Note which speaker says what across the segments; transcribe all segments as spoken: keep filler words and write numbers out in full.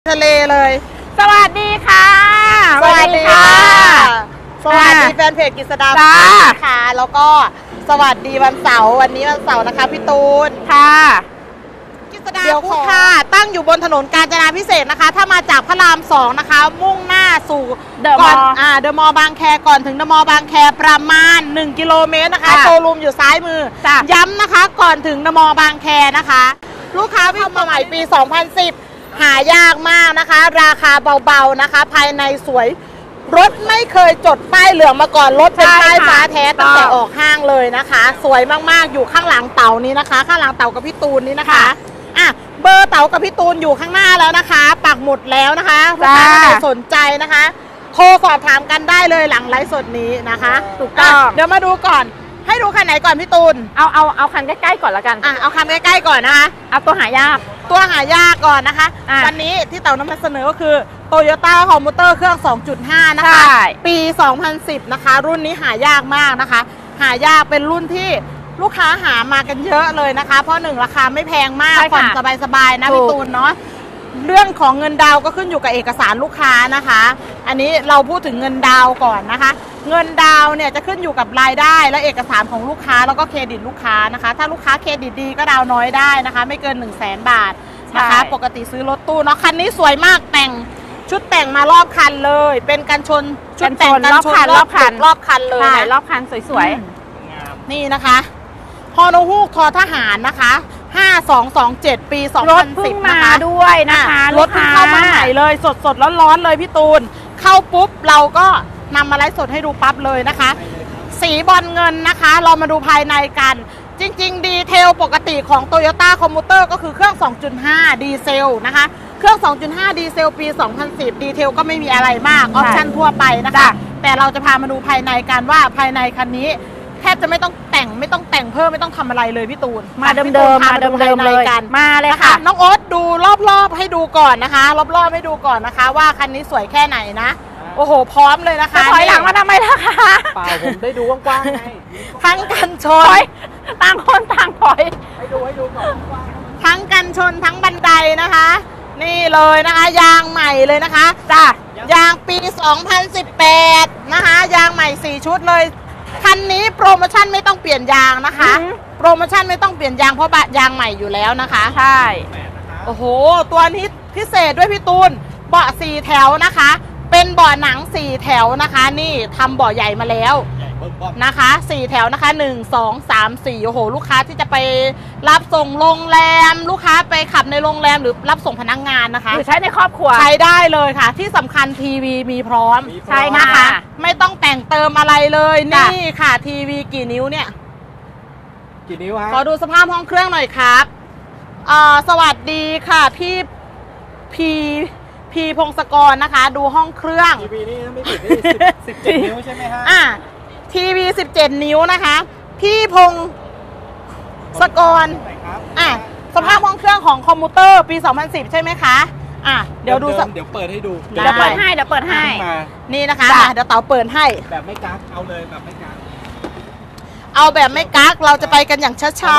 Speaker 1: ทะเลเลย
Speaker 2: สวัสดีค่ะ
Speaker 1: สวัสดีค่ะสวัสดีแฟนเพจกฤษดาค่ะแล้วก็สวัสดีวันเสาร์วันนี้วันเสาร์นะคะพี่ตูน
Speaker 2: ค่ะ
Speaker 1: กฤษดาคู่ค่ะตั้งอยู่บนถนนกาญจนาภิเษกนะคะถ้ามาจากพระรามสองนะคะมุ่งหน้าสู่
Speaker 2: เดอะมอลล์
Speaker 1: อ่าเดอะมอลล์บางแคก่อนถึงเดอะมอลล์บางแคประมาณหนึ่งกิโลเมตรนะคะโชว์รูมอยู่ซ้ายมือย้ำนะคะก่อนถึงเดอะมอลล์บางแคนะคะลูกค้าวิ่งมาใหม่ปีสองพันสิบหายากมากนะคะราคาเบาๆนะคะภายในสวยรถไม่เคยจดป้ายเหลืองมาก่อนรถเป็นป้ายฟ้าแท้ตั้งแต่ออกห้างเลยนะคะสวยมากๆอยู่ข้างหลังเต่านี้นะคะข้างหลังเต่ากับพี่ตูนนี้นะคะอ่ะเบอร์เต่ากับพี่ตูนอยู่ข้างหน้าแล้วนะคะปักหมุดแล้วนะคะลูกค้าท่านใดสนใจนะคะโทรสอบถามกันได้เลยหลังไลฟ์สดนี้นะคะถูกต้องเดี๋ยวมาดูก่อนให้ดูคันไหนก่อนพี่ตูน
Speaker 2: เอาเอาเอาคันใกล้ๆก่อนละกัน
Speaker 1: อ่ะเอาคันใกล้ๆก่อนนะคะ
Speaker 2: เอาตัวหายาก
Speaker 1: ตัวหายากก่อนนะคะวันนี้ที่เต่านำมาเสนอก็คือ Toyota Commuter เครื่อง สองจุดห้า นะคะปีสองพันสิบนะคะรุ่นนี้หายากมากนะคะหายากเป็นรุ่นที่ลูกค้าหามากันเยอะเลยนะคะเพราะหนึ่งราคาไม่แพงมากผ่อนสบายๆนะพี่ตูนเนาะเรื่องของเงินดาวก็ขึ้นอยู่กับเอกสารลูกค้านะคะอันนี้เราพูดถึงเงินดาวก่อนนะคะเงินดาวเนี่ยจะขึ้นอยู่กับรายได้และเอกสารของลูกค้าแล้วก็เครดิตลูกค้านะคะถ้าลูกค้าเครดิตดีก็ดาวน้อยได้นะคะไม่เกิน หนึ่งแสน บาทนะคะปกติซื้อรถตู้เนาะคันนี้สวยมากแต่งชุดแต่งมารอบคันเลยเป็นกันชนชุดแต่งกันชนรอบคันรอบคันเลยนะ
Speaker 2: รอบคันสวย
Speaker 1: ๆนี่นะคะฮอโนฮูกทอทหารนะคะห้าสองสองเจ็ดปีสองพันสิบนะคะ
Speaker 2: ด้วยนะคะ
Speaker 1: รถเพิ่งเข้ามาใหม่เลยสดสดร้อนๆเลยพี่ตูนเข้าปุ๊บเราก็นำมาไลฟ์สดให้ดูปั๊บเลยนะคะสีบอลเงินนะคะเรามาดูภายในกันจริงๆดีเทลปกติของ Toyota Commuter ก็คือเครื่อง สองจุดห้า ดีเซลนะคะเครื่อง สองจุดห้า ดีเซลปีสองพันสิบดีเทลก็ไม่มีอะไรมากออปชั่นทั่วไปนะคะแต่เราจะพามาดูภายในกันว่าภายในคันนี้แทบจะไม่ต้องแต่งไม่ต้องแต่งเพิ่มไม่ต้องทำอะไรเลยพี่ตูน
Speaker 2: มาเดิมเดิมมาเดิมเดิมเลยกันมาเลยค่ะ
Speaker 1: น้องโอ๊ตดูรอบๆให้ดูก่อนนะคะรอบๆให้ดูก่อนนะคะว่าคันนี้สวยแค่ไหนนะโอ้โหพร้อมเลยนะคะ
Speaker 2: ถอยหลังมาทำไมล่ะคะ
Speaker 3: เปล่าผมได้ดูกว้างๆไง
Speaker 1: ทั้งกันชน
Speaker 2: ต่างคนต่างถอย
Speaker 3: ให้ดูให้ดูก่อนกว้าง
Speaker 1: ทั้งกันชนทั้งบันไดนะคะนี่เลยนะคะยางใหม่เลยนะคะจ้ะยางปีสองพันสิบแปดนะคะยางใหม่สี่ชุดเลยคันนี้โปรโมชั่นไม่ต้องเปลี่ยนยางนะคะโปรโมชั่นไม่ต้องเปลี่ยนยางเพราะยางใหม่อยู่แล้วนะคะ
Speaker 2: ใช่
Speaker 1: โอ้โหตัวนี้พิเศษด้วยพี่ตูนเบาะสี่แถวนะคะเป็นเบาะหนังสี่แถวนะคะนี่ทำเบาะใหญ่มาแล้วนะคะสี่แถวนะคะหนึ่ง สอง สาม สี่โอ้โหลูกค้าที่จะไปรับส่งโรงแรมลูกค้าไปขับในโรงแรมหรือรับส่งพนักงานนะคะ
Speaker 2: หรือใช้ในครอบครัว
Speaker 1: ใช้ได้เลยค่ะที่สำคัญทีวีมีพร้อมใช่นะคะไม่ต้องแต่งเติมอะไรเลยนี่ค่ะทีวีกี่นิ้วเนี่ย
Speaker 3: กี่นิ้วฮะ
Speaker 1: ขอดูสภาพห้องเครื่องหน่อยครับอ่าสวัสดีค่ะพี่พีพีพงศกรนะคะดูห้องเครื่อง
Speaker 3: ทีวีนี่ไม่ผิดนี่สิบเจ็ดนิ้วใช่ไหมฮะ
Speaker 1: อ่าทีวีสิบเจ็ดนิ้วนะคะพี่พงศกรอ่ะสภาพห้องเครื่องของคอมพิวเตอร์ปีสองพันสิบใช่ไหมคะอ่ะเดี๋ยวดู
Speaker 3: เดี๋ยวเปิดให้ดู
Speaker 2: เดี๋ยวเปิดให้เดี๋ยวเปิดให้
Speaker 1: นี่นะคะเดี๋ยวเต๋าเปิดให้
Speaker 3: แบบไม่กักเอาเลยแบบไม่กัก
Speaker 1: เอาแบบไม่กักเราจะไปกันอย่างช้า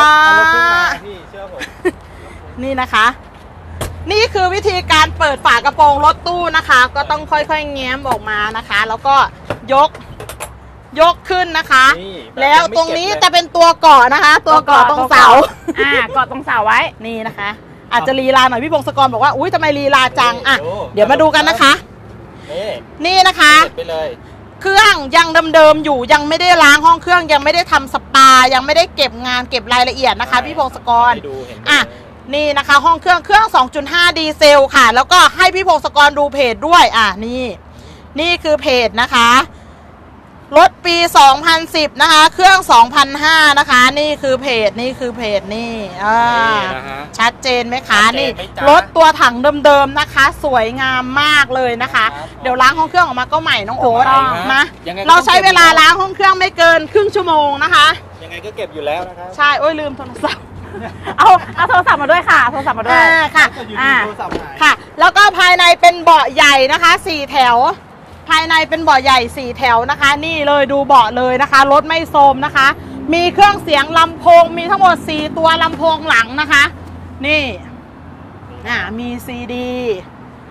Speaker 1: ๆนี่นะคะนี่คือวิธีการเปิดฝากระโปรงรถตู้นะคะก็ต้องค่อยๆแง้มออกมานะคะแล้วก็ยกยกขึ้นนะคะแล้วตรงนี้จะเป็นตัวเกาะนะคะตัวเกาะตรงเสา
Speaker 2: อ่าเกาะตรงเสาไว้
Speaker 1: นี่นะคะอาจจะลีลาหน่อยพี่พงศกรบอกว่าอุ้ยทำไมลีลาจังอ่ะเดี๋ยวมาดูกันนะคะนี่นะคะเครื่องยังเดิมๆอยู่ยังไม่ได้ล้างห้องเครื่องยังไม่ได้ทำสปายังไม่ได้เก็บงานเก็บรายละเอียดนะคะพี่พงศกรอ่ะนี่นะคะห้องเครื่องเครื่อง สองจุดห้า ดีเซลค่ะแล้วก็ให้พี่พงศกรดูเพจด้วยอ่ะนี่นี่คือเพจนะคะรถปีสองพันสิบนะคะเครื่อง สองพันห้า นะคะนี่คือเพจนี่คือเพจนี่อ่าชัดเจนไหมคะนี่รถตัวถังเดิมๆนะคะสวยงามมากเลยนะคะเดี๋ยวล้างห้องเครื่องออกมาก็ใหม่น้องโอ๊ตมาเราใช้เวลาล้างห้องเครื่องไม่เกินครึ่งชั่วโมงนะคะ
Speaker 3: ยังไงก็เก็บอยู่แล้วนะคะ
Speaker 1: ใช่โอ้ยลืมโทรศัพท์
Speaker 2: เอาเอาโทรศัพท์มาด้วยค่ะโทรศัพท์มาด้วย
Speaker 1: ค่ะอ่าค่ะแล้วก็ภายในเป็นเบาะใหญ่นะคะสี่แถวภายในเป็นเบาะใหญ่สี่แถวนะคะนี่เลยดูเบาะเลยนะคะรถไม่โทรมนะคะมีเครื่องเสียงลำโพงมีทั้งหมดสี่ตัวลำโพงหลังนะคะนี่อ่ามีซีดี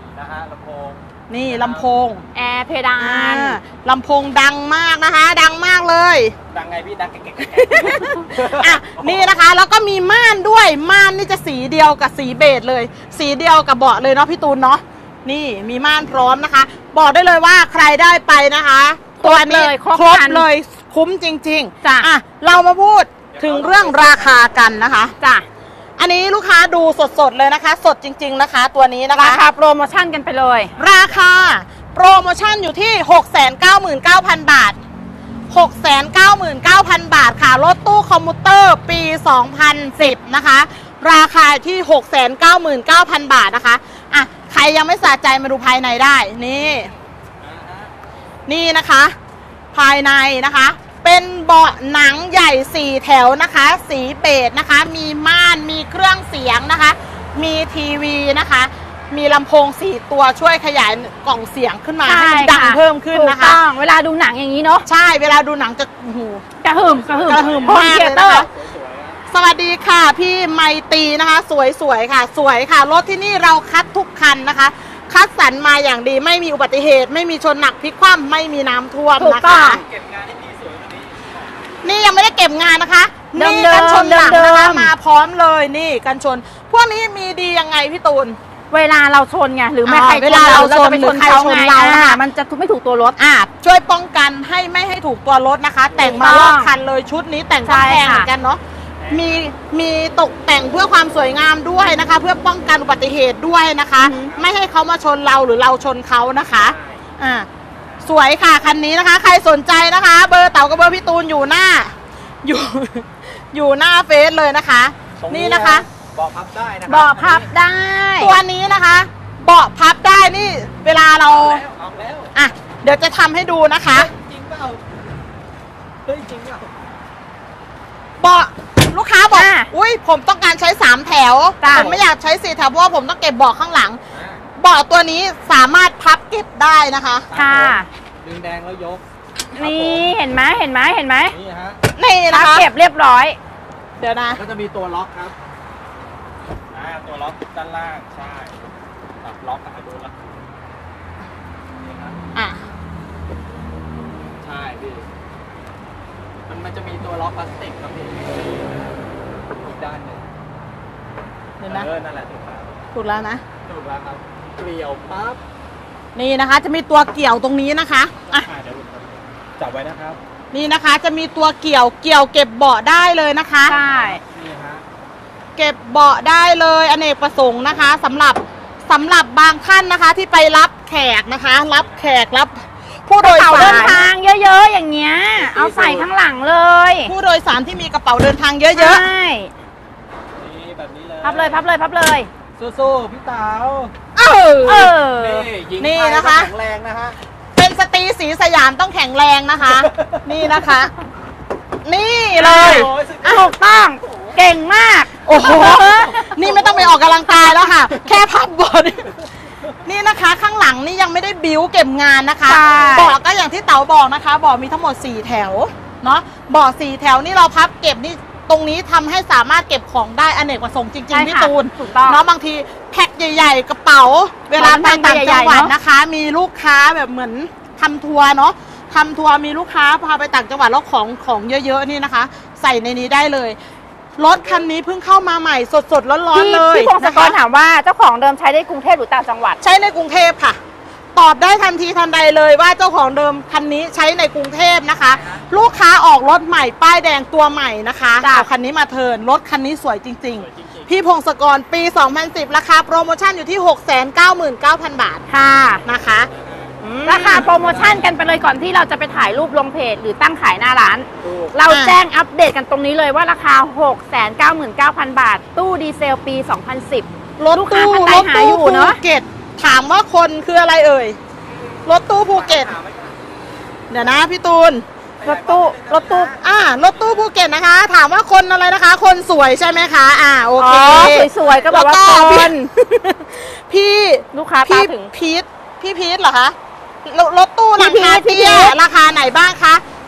Speaker 3: ลำโพง
Speaker 1: นี่ลำโพง
Speaker 2: แอร์เพดาน
Speaker 1: อ่าลำโพงดังมากนะคะ ดังมากเลย
Speaker 3: ดังไงพี่ดังเก่ง
Speaker 1: อ่ะนี่นะคะแล้วก็มีม่านด้วยม่านนี่จะสีเดียวกับสีเบจเลย สีเดียวกับเบาะเลยเนาะพี่ตูนเนาะนี่มีม่านพร้อมนะคะ บอกได้เลยว่าใครได้ไปนะคะ ตัวนี้
Speaker 2: เลยครบ
Speaker 1: ครบ
Speaker 2: ครัน
Speaker 1: เลยคุ้มจริงๆ
Speaker 2: จ้ะ
Speaker 1: อ่ะเรามาพูดถึงเรื่องราคากันนะคะ
Speaker 2: จ้ะ
Speaker 1: อันนี้ลูกค้าดูสดๆเลยนะคะ สดจริง ๆนะคะ ตัวนี้นะคะ
Speaker 2: ราคาโปรโมชั่นกันไปเลย
Speaker 1: ราคาโปรโมชั่นอยู่ที่ หกแสนเก้าหมื่นเก้าพัน บาท หกแสนเก้าหมื่นเก้าพัน บาทค่ะ รถตู้คอมมูเตอร์ปี สองพันสิบ นะคะ ราคาที่ หกแสนเก้าหมื่นเก้าพัน บาทนะคะ อ่ะ ใครยังไม่สะใจมาดูภายในได้ นี่ นี่นะคะ ภายในนะคะ เป็นเบาะหนังใหญ่สี่แถวนะคะ สีเบจนะคะ มีม่าน มีเครื่องเสียงนะคะ มีทีวีนะคะ มีลำโพงสี่ตัวช่วยขยายกล่องเสียงขึ้นมาให้มันดังเพิ่มขึ้นนะคะ
Speaker 2: ถูกต้องเวลาดูหนังอย่างนี้เนาะ
Speaker 1: ใช่ เวลาดูหนังจะโอ้โห
Speaker 2: กระหึ่มกระหึ่ม
Speaker 1: กระหึ่ม
Speaker 2: โฮ
Speaker 1: มาก
Speaker 2: เท
Speaker 1: เลย
Speaker 2: เตอ
Speaker 1: นะคะ
Speaker 2: ร์
Speaker 1: สวัสดีค่ะพี่ไมตรีนะคะ สวยๆค่ะ สวยค่ะ รถที่นี่เราคัดทุกคันนะคะ คัดสรรมาอย่างดีไม่มีอุบัติเหตุ ไม่มีชนหนักพลิกคว่ำไม่มีน้ำท่วม
Speaker 2: ถูก
Speaker 1: นะ
Speaker 2: ต้อ
Speaker 1: คะ
Speaker 2: ง
Speaker 3: เก็บงานให้ดีสวยกว่านี้
Speaker 1: นี่ยังไม่ได้เก็บงานนะคะ
Speaker 2: เดิม
Speaker 1: นี่
Speaker 2: ๆ
Speaker 1: กันชนหลัง
Speaker 2: เดิ
Speaker 1: นะคะ
Speaker 2: มๆ
Speaker 1: มาพร้อมเลยนี่กันชน พวกนี้มีดียังไงพี่ตูน
Speaker 2: เวลาเราชนไงหรือไม่
Speaker 1: อ่า
Speaker 2: ใคร
Speaker 1: เวลาเราชน
Speaker 2: จะไป
Speaker 1: หรื
Speaker 2: ช
Speaker 1: อน ใคร
Speaker 2: เขา
Speaker 1: ชน
Speaker 2: ไง
Speaker 1: เรานะคะ
Speaker 2: อ่มันจะไม่ถูกตัวรถ
Speaker 1: อ่ะช่วยป้องกันให้ไม่ให้ถูกตัวรถนะคะ แต่งมารอบคันเลยชุดนี้แต่งก็
Speaker 2: ใช่
Speaker 1: แพงเหมื
Speaker 2: ค่ะ
Speaker 1: อนกันเนาะมีมีตกแต่งเพื่อความสวยงามด้วยนะคะ เพื่อป้องกันอุบัติเหตุด้วยนะคะ ไม่ให้เขามาชนเราหรือเราชนเขานะคะอ่าสวยค่ะคันนี้นะคะ ใครสนใจนะคะ เบอร์เต๋ากับเบอร์พี่ตูนอยู่หน้า อยู่ อยู่หน้าเฟซเลยนะคะ
Speaker 3: ตรง
Speaker 1: นี่นะคะ
Speaker 3: เบาะพับได้นะครั
Speaker 2: เบาะพับได้
Speaker 1: ตัวนี้นะคะ เบาะพับได้นี่เวลาเรา
Speaker 3: เอาแล้ว
Speaker 1: อ่ะเดี๋ยวจะทำให้ดูนะคะ
Speaker 3: จริงเปล่าเฮ้ยจริงเปล่า
Speaker 1: เบาะลูกค้าบอก
Speaker 2: อ่ะ
Speaker 1: อุ้ยผมต้องการใช้สามแถว
Speaker 2: จ้ะ
Speaker 1: ผมไม่อยากใช้สี่แถวเพราะว่าผมต้องเก็บเบาะข้างหลัง เบาะตัวนี้สามารถพับเก็บได้นะคะ
Speaker 2: ค่ะ
Speaker 3: ดึงแดงแล้วยก
Speaker 2: นี่เห็นไหมเห็นไหมเห็นไหม
Speaker 3: นี่ฮะ
Speaker 1: นี่
Speaker 2: พั
Speaker 1: นะ
Speaker 2: บ
Speaker 1: คะ
Speaker 2: เก็บเรียบร้อย
Speaker 1: เดี๋ยวนะ
Speaker 3: ก็จะมีตัวล็อกครับอ่าตัวล็อกด้านล่างใช่แบบล็อกอะดูล็อกนี่ครับ
Speaker 1: อ่ะ
Speaker 3: ใช่พี่มันมันจะมีตัวล็อกพลาสติกครับพี่อีกด้านหนึ่ง
Speaker 1: เดี๋ยวนะ
Speaker 3: เออนั่นแหละถูกแล้ว
Speaker 1: ถูกแล้วนะ
Speaker 3: ถูกแล้วครับเกลียวปั๊บ
Speaker 1: นี่นะคะ จะมีตัวเกี่ยวตรงนี้นะคะอ่ะ
Speaker 3: อ่าเดี๋ยวผมจับไว้นะครับ
Speaker 1: นี่นะคะจะมีตัวเกี่ยวเกี่ยวเก็บเบาะได้เลยนะคะ
Speaker 2: ใช่
Speaker 3: นี่ฮะ
Speaker 1: เก็บเบาะได้เลยอเนกประสงค์นะคะสำหรับสำหรับบางท่านนะคะที่ไปรับแขกนะคะ รับแขกรับ ผู้โดย
Speaker 2: เป่า
Speaker 1: สา
Speaker 2: เดิน
Speaker 1: ร
Speaker 2: ทางเยอะๆอย่างเงี้ย เอาใส่ข้างหลังเลย
Speaker 1: ผู้โดยสารที่มีกระเป๋าเดินทางเยอะ
Speaker 2: ใช่
Speaker 3: นี่แบบนี้เลย
Speaker 2: พับเลยพับเลยพับเลย
Speaker 3: สู้ๆพี่เต๋า
Speaker 1: ๆเออ
Speaker 2: เออ
Speaker 3: นี่ยิง
Speaker 1: นี่
Speaker 3: ไป
Speaker 1: นะคะ
Speaker 3: แข็งแรงนะฮะ
Speaker 1: เป็นสตรีสีสยามต้องแข็งแรงนะคะ นี่นะคะ นี่เลย
Speaker 3: โอ้ยสุดยอด
Speaker 2: ถูกต้องเก่งมาก
Speaker 1: โอ้โห นี่ไม่ต้องไปออกกำลังกายแล้วค่ะ แค่พับบอดนี่นะคะ ข้างหลังนี่ยังไม่ได้บิ้วเก็บงานนะคะ
Speaker 2: ใช่
Speaker 1: เบาะก็อย่างที่เต๋าบอกนะคะเบาะมีทั้งหมดสี่แถวเนาะเบาะสี่แถวนี่เราพับเก็บนี่ตรงนี้ทำให้สามารถเก็บของได้อเนกประสงค์จริง
Speaker 2: ใช่
Speaker 1: ๆพี่
Speaker 2: ค่ะ
Speaker 1: ตูน
Speaker 2: ถูกต้อง
Speaker 1: เนาะบางทีแพ็คใหญ่ ๆ กระเป๋า เวลาไปต่างจังหวัด
Speaker 2: ใหญ่ๆเนอะ
Speaker 1: นะคะ มีลูกค้าแบบเหมือนทำทัวร์เนาะทำทัวร์มีลูกค้าพาไปต่างจังหวัดแล้วของของเยอะๆนี่นะคะ ใส่ในนี้ได้เลยรถคันนี้เพิ่งเข้ามาใหม่สดๆร้อน
Speaker 2: พี่
Speaker 1: ๆเลย
Speaker 2: พี่พงศกร
Speaker 1: นะคะ
Speaker 2: ถามว่าเจ้าของเดิมใช้ได้กรุงเทพหรือต่างจังหวัด
Speaker 1: ใช้ในกรุงเทพค่ะ ตอบได้ทันทีทันใดเลยว่าเจ้าของเดิมคันนี้ใช้ในกรุงเทพนะคะ ลูกค้าออกรถใหม่ป้ายแดงตัวใหม่นะคะ
Speaker 2: จ้ะ
Speaker 1: เอาคันนี้มาเทิร์นรถคันนี้สวยจริง
Speaker 3: สวยจริง
Speaker 1: ๆ พี่พงศกรปี สองพันสิบ ราคาโปรโมชั่นอยู่ที่ หกแสนเก้าหมื่นเก้าพัน บาท
Speaker 2: ค่ะ
Speaker 1: นะคะอืม
Speaker 2: ราคาโปรโมชั่นกันไปเลยก่อนที่เราจะไปถ่ายรูปลงเพจหรือตั้งขายหน้าร้าน
Speaker 3: ๆถูก
Speaker 2: เราแจ้งอัปเดตกันตรงนี้เลยว่าราคา หกแสนเก้าหมื่นเก้าพัน บาท ตู้ดีเซลปี สองพันสิบ
Speaker 1: รถ
Speaker 2: ลูกค้า
Speaker 1: ตู้
Speaker 2: ท่านใด
Speaker 1: รถ
Speaker 2: หา
Speaker 1: ตู้
Speaker 2: อยู่
Speaker 1: ภู
Speaker 2: เนอะ
Speaker 1: เก็ตถามว่าคนคืออะไรเอ่ยรถตู้ภูเก็ต
Speaker 3: ถามไว้ก่อน
Speaker 1: เดี๋ยวนะพี่ตูน
Speaker 2: รถตู้รถตู้
Speaker 1: อ่ารถตู้ภูเก็ตนะคะ ถามว่าคนอะไรนะคะ คนสวยใช่ไหมคะ อ่าโอ
Speaker 2: อ๋
Speaker 1: เค
Speaker 2: อสวยๆก็แบบว่า
Speaker 1: แล้ว
Speaker 2: ค
Speaker 1: พี่
Speaker 2: น
Speaker 1: พี่
Speaker 2: ลูกค้าตา
Speaker 1: พี่
Speaker 2: ถึง
Speaker 1: พีทพี่พีทเหรอคะรรถตู้หลังคา
Speaker 2: พี่พีท
Speaker 1: เตี้ย
Speaker 2: พี่พีท
Speaker 1: ราคาไหนบ้างคะ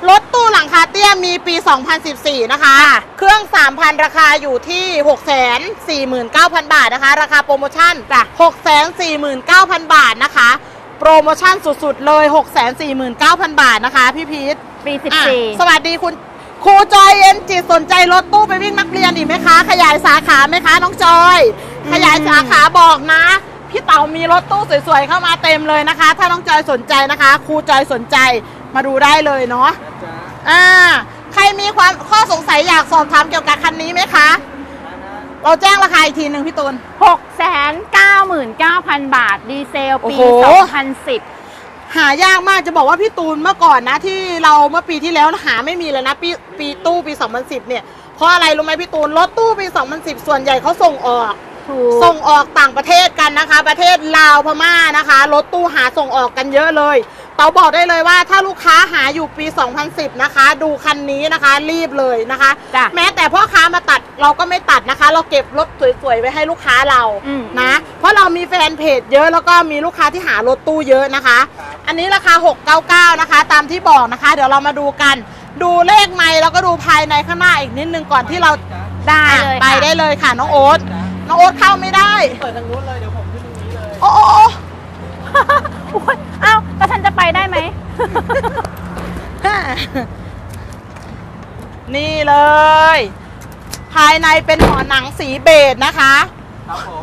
Speaker 1: รถตู้หลังคาเตี้ยมีปี สองพันสิบสี่ นะคะ เครื่อง สามพัน ราคาอยู่ที่ หกแสนสี่หมื่นเก้าพัน บาทนะคะ ราคาโปรโมชั่น หกแสนสี่หมื่นเก้าพัน บาทนะคะ โปรโมชั่นสุดๆเลย หกแสนสี่หมื่นเก้าพัน บาทนะคะพี่พีท
Speaker 2: ปี สิบสี่
Speaker 1: สวัสดีคุณครูจอยเอ็นจิตสนใจรถตู้ไปวิ่งนักเรียนอีกไหมคะ ขยายสาขาไหมคะน้องจอย ขยายสาขาบอกนะพี่เต๋ามีรถตู้สวยๆเข้ามาเต็มเลยนะคะ ถ้าน้องจอยสนใจนะคะครูจอยสนใจมาดูได้เลยเนาะอ่าใครมีความข้อสงสัยอยากสอบถามเกี่ยวกับคันนี้ไหมคะเราแจ้งราคาอีกทีหนึ่งพี่ตูน
Speaker 2: หกแสนเก้าหมื่นเก้าพัน บาทดีเซลปี
Speaker 1: โอ้โห
Speaker 2: สองพันสิบ
Speaker 1: หายากมากจะบอกว่าพี่ตูนเมื่อก่อนนะที่เราเมื่อปีที่แล้วหาไม่มีเลยนะปีปีตู้ปีสองพันสิบเนี่ยเพราะอะไรรู้ไหมพี่ตูนรถตู้ปีสองพันสิบส่วนใหญ่เขาส่งออกส่งออกต่างประเทศกันนะคะประเทศลาวพม่านะคะรถตู้หาส่งออกกันเยอะเลยเต๋าบอกได้เลยว่าถ้าลูกค้าหาอยู่ปีสองพันสิบนะคะดูคันนี้นะคะรีบเลยนะคะแม้แต่พ่อค้ามาตัดเราก็ไม่ตัดนะคะเราเก็บรถสวยๆไว้ให้ลูกค้าเรานะเพราะเรามีแฟนเพจเยอะแล้วก็มีลูกค้าที่หารถตู้เยอะนะคะอันนี้ราคาหกร้อยเก้าสิบเก้านะคะตามที่บอกนะคะเดี๋ยวเรามาดูกันดูเลขไมล์แล้วก็ดูภายในข้างหน้าอีกนิดนึงก่อนที่เรา
Speaker 2: ได้เลย
Speaker 1: ไปได้เลยค่ะน้องโอ๊ตน้องโอ๊ตเข้าไม่ได้
Speaker 3: เปิดทางนู้นเลยเดี๋ยวผมขึ้นตรงนี้เลย
Speaker 1: โอ้โอ้
Speaker 2: โอ้ยเอ้าแล้วฉันจะไปได้ไหม
Speaker 1: นี่เลย ภายในเป็นหอหนังสีเบจนะคะ
Speaker 3: ครับผม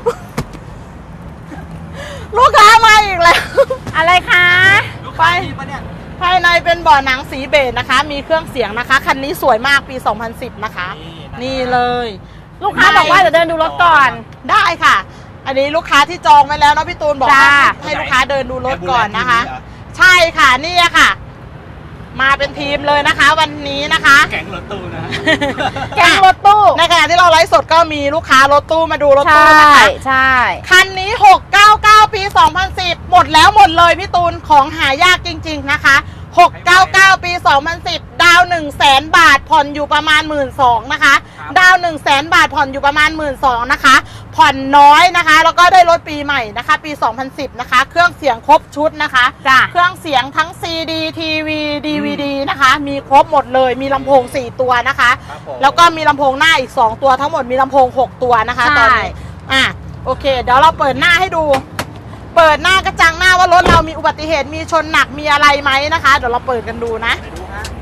Speaker 1: ลูกค้ามาอีกแล้ว
Speaker 2: อะไรคะ
Speaker 3: ลูกค้าดีปะเนี่ย
Speaker 1: ภายในเป็นเบาะหนังสีเบจนะคะ มีเครื่องเสียงนะคะคันนี้สวยมากปีสองพันสิบนะคะ นี่เลย
Speaker 2: ลูกค้าบอกว่าจะเดินดูรถก่อน
Speaker 1: ได้ค่ะ อันนี้ลูกค้าที่จองไว้แล้วเนาะพี่ตูนบอกว่า
Speaker 2: จ้า
Speaker 1: ให้ลูกค้าเดินดูรถก่อนนะคะ ใช่ค่ะนี่ค่ะ มาเป็นทีมเลยนะคะ วันนี้นะคะ
Speaker 3: แก๊งรถตู้นะ
Speaker 2: แก๊งรถตู้
Speaker 1: ในขณะที่เราไลฟ์สดก็มีลูกค้ารถตู้มาดูรถ
Speaker 2: ใช่
Speaker 1: ตู้นะคะ
Speaker 2: ใช่
Speaker 1: คันนี้หกเก้าเก้าปีสองพันสิบหมดแล้วหมดเลยพี่ตูนของหายากจริงๆนะคะหกเก้าเก้าปีสองพันสิบดาวหนึ่งแสนบาทผ่อนอยู่ประมาณหมื่นสองนะคะดาวหนึ่งแสนบาทผ่อนอยู่ประมาณหมื่นสองนะคะผ่อนน้อยนะคะแล้วก็ได้รถปีใหม่นะคะปีสองพันสิบนะคะเครื่องเสียงครบชุดนะคะ
Speaker 2: จ้ะ
Speaker 1: เครื่องเสียงทั้ง ซี ดี ที วี ดี วี ดี นะคะมีครบหมดเลยมีลำโพงสี่ตัวนะคะ
Speaker 3: ครับผม
Speaker 1: แล้วก็มีลำโพงหน้าอีกสองตัวทั้งหมดมีลำโพงหกตัวนะคะตอนนี้อ่ะโอเคเดี๋ยวเราเปิดหน้าให้ดูเปิดหน้ากระจังหน้าว่ารถเรามีอุบัติเหตุมีชนหนักมีอะไรไหมนะคะเดี๋ยวเราเปิดกันดูนะ
Speaker 3: ไปดูฮะ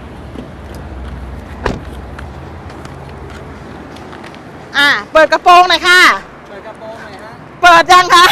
Speaker 1: อ่ะเปิดกระโปรงหน่อยค่ะ
Speaker 3: เปิดกระโปรงหน่อยฮะ
Speaker 1: เปิดยังคะ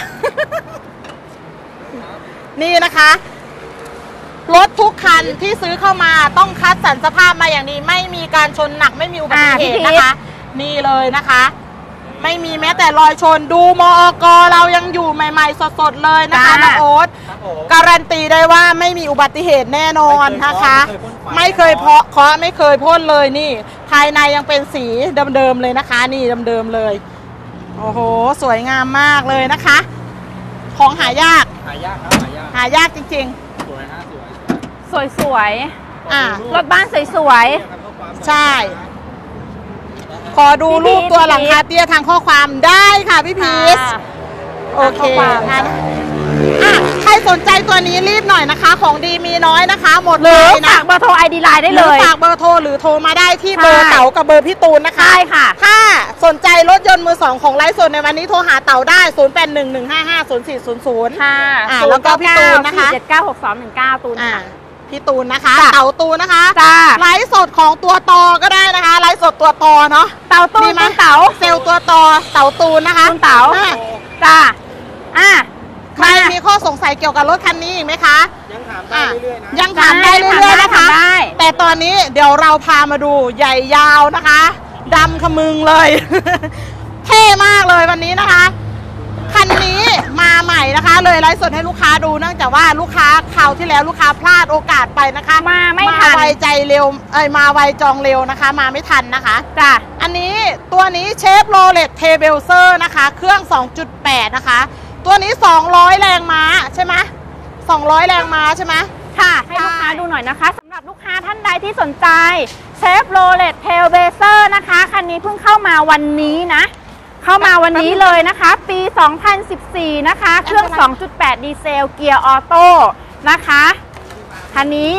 Speaker 1: นี่นะคะรถทุกคันที่ซื้อเข้ามาต้องคัดสรรสภาพมาอย่างดีไม่มีการชนหนักไม่มีอุบัติเหตุนะคะ นี่เลยนะคะ ไม่มีแม้แต่รอยชนดูมอกเรายังอยู่ใหม่ๆสดๆเลยนะคะน้องโอ๊ต
Speaker 3: ครับผม
Speaker 1: การันตีได้ว่าไม่มีอุบัติเหตุแน่นอนนะคะ ไม่เคยเพาะเคาะไม่เคยพ่นเลยนี่ ภายในยังเป็นสีเดิมๆเลยนะคะ นี่เดิมๆเลย โอ้โหสวยงามมากเลยนะคะ ของหายาก
Speaker 3: หายากครับหายาก
Speaker 1: หายากจริง
Speaker 3: สวยฮะสวย
Speaker 2: สวยสวย
Speaker 1: อ่ะ
Speaker 2: ๆรถบ้านสวยสวย
Speaker 1: ๆ ใช่ ขอดูรูปตัวหลังคาเตี้ยทางข้อความได้ค่ะพี่
Speaker 2: ๆ
Speaker 1: พีช
Speaker 2: ค่ะ
Speaker 1: โอเค
Speaker 2: ทางข้อความ
Speaker 1: งั้นอ่ะใครสนใจตัวนี้รีบหน่อยนะคะ ของดีมีน้อยนะคะ หมด
Speaker 2: ห
Speaker 1: เล
Speaker 2: รือย
Speaker 1: นะ
Speaker 2: ฝากเบอร์โทรไอดีไลน์ได้
Speaker 1: ห
Speaker 2: เล
Speaker 1: รือย ฝากเบอร์โทรหรือโทรมาได้ที่เบอร์
Speaker 2: ใช่
Speaker 1: เต๋ากับเบอร์พี่ตูนนะคะ
Speaker 2: ใช่ค่ะ
Speaker 1: ถ้าสนใจรถยนต์มือสองของไลฟ์สดในวันนี้โทรหาเต๋าได้ ศูนย์ แปด หนึ่ง หนึ่ง ห้า ห้า ศูนย์ สี่ ศูนย์ ศูนย์
Speaker 2: ค่ะ
Speaker 1: อ่าแล้วก็พี่ตูนนะคะ
Speaker 2: เจ็ดเก้าหกสองหนึ่งเก้าตูน
Speaker 1: อ่า
Speaker 2: ค่ะ
Speaker 1: พี่ตูนนะคะ
Speaker 2: จ้ะ
Speaker 1: เต๋าตูนนะคะ
Speaker 2: จ้า
Speaker 1: ไลฟ์สดของตัวตอก็ได้นะคะ ไลฟ์สดตัวตอเนาะ
Speaker 2: เต่าตู
Speaker 1: ดี
Speaker 2: น
Speaker 1: ไหม
Speaker 2: ตูนเต๋า
Speaker 1: เซลล์ตัวตอเต๋าตูนนะคะ
Speaker 2: ตูนเต๋า
Speaker 1: อ่ะ
Speaker 2: จ้าอ่ะ
Speaker 1: ใครมีข้อสงสัยเกี่ยวกับรถคันนี้อีกไหมคะ
Speaker 3: ยังถามได้เรื่อยๆนะ
Speaker 1: ยังถามได้เรื่อยๆนะคะ
Speaker 2: ถามได้
Speaker 1: แต่ตอนนี้เดี๋ยวเราพามาดูใหญ่ยาวนะคะดำขมึงเลย เท่มากเลยวันนี้นะคะ คันนี้มาใหม่นะคะ เลยไลฟ์สดให้ลูกค้าดูเนื่องจากว่าลูกค้าคราวที่แล้วลูกค้าพลาดโอกาสไปนะคะ
Speaker 2: มาไม่ทัน
Speaker 1: ไวใจเร็วเอ้ยมาไวจองเร็วนะคะ มาไม่ทันนะคะ
Speaker 2: จ้า
Speaker 1: อันนี้ตัวนี้เชฟโรเลตเทเบลเซอร์นะคะ เครื่อง สองจุดแปด นะคะ ตัวนี้ สองร้อย แรงม้าใช่ไหมสองร้อย แรงม้าใช่ไหม
Speaker 2: ค่ะ ให้ลูกค้าดูหน่อยนะคะสำหรับลูกค้าท่านใดที่สนใจเชฟโรเลตเทลเบเซอร์นะคะคันนี้เพิ่งเข้ามาวันนี้นะ เข้ามาวันนี้เลยนะคะ ปี สองพันสิบสี่ นะคะ เครื่อง สองจุดแปด ดีเซลเกียร์ออโต้นะคะคันนี้